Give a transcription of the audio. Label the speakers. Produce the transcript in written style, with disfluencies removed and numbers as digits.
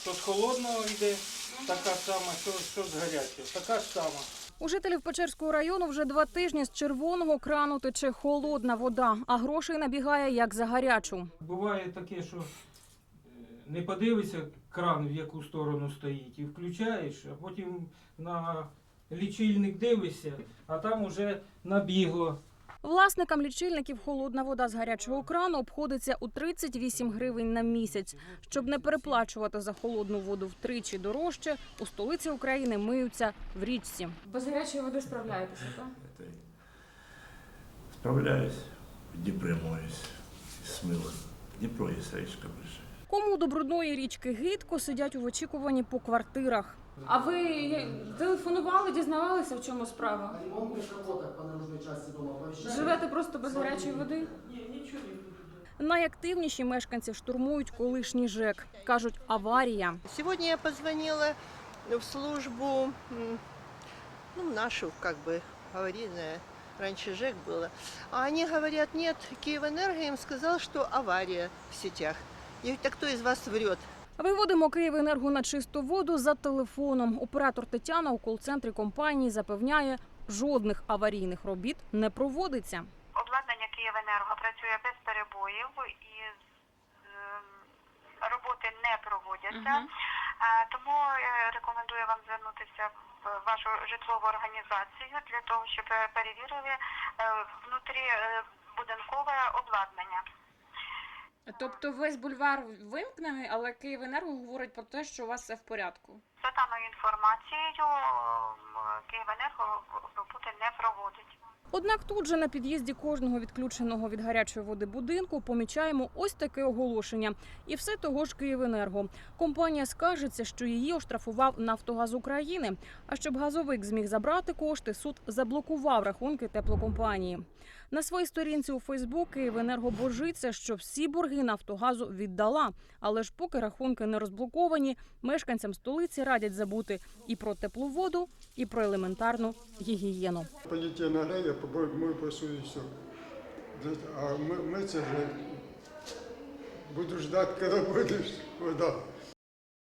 Speaker 1: Що з холодного йде, така сама, що з гарячого, така ж сама.
Speaker 2: У жителів Печерського району вже 2 тижні з червоного крану тече холодна вода, а грошей набігає як за гарячу.
Speaker 1: Буває таке, що не подивишся кран, в яку сторону стоїть, і включаєш, а потім на лічильник дивишся, а там уже набігло.
Speaker 2: Власникам лічильників холодна вода з гарячого крану обходиться у 38 гривень на місяць. Щоб не переплачувати за холодну воду втричі дорожче, у столиці України миються в річці. Без гарячої води справляєтеся, так?
Speaker 3: Справляюсь, в Дніпрі моюсь, з милом. Дніпро є річка ближче.
Speaker 2: Кому до брудної річки гидко, сидять у очікуванні по квартирах. А ви телефонували, дізнавалися, в чому справа? Живете просто без гарячої води? Найактивніші мешканці штурмують колишній ЖЕК. Кажуть, аварія.
Speaker 4: Сегодня я позвонила в службу, нашу, аварийная, раньше ЖЭК было. А они говорят, нет, Киевэнерго им сказал, что авария в сетях. Я говорю, так кто из вас врет?
Speaker 2: Виводимо Київенерго на чисту воду за телефоном. Оператор Тетяна у кол-центрі компанії запевняє, жодних аварійних робіт не проводиться.
Speaker 5: Обладнання Київенерго працює без перебоїв і роботи не проводяться. Тому я рекомендую вам звернутися в вашу житлову організацію для того, щоб перевірили внутрібудинкове обладнання.
Speaker 2: Тобто весь бульвар вимкнений, але Київенерго говорить про те, що у вас все в порядку.
Speaker 5: За даною інформацією, Київенерго роботи не проводить.
Speaker 2: Однак тут же на під'їзді кожного відключеного від гарячої води будинку помічаємо ось таке оголошення. І все того ж Київенерго. Компанія скаржиться, що її оштрафував Нафтогаз України. А щоб газовик зміг забрати кошти, суд заблокував рахунки теплокомпанії. На своїй сторінці у Фейсбук Київенерго божиться, що всі борги Нафтогазу віддала. Але ж поки рахунки не розблоковані, мешканцям столиці радять забути і про теплу воду, і про елементарну гігієну.
Speaker 6: Полетел на гребе, мой посуду и все. А мы буду ждать, когда будет вода.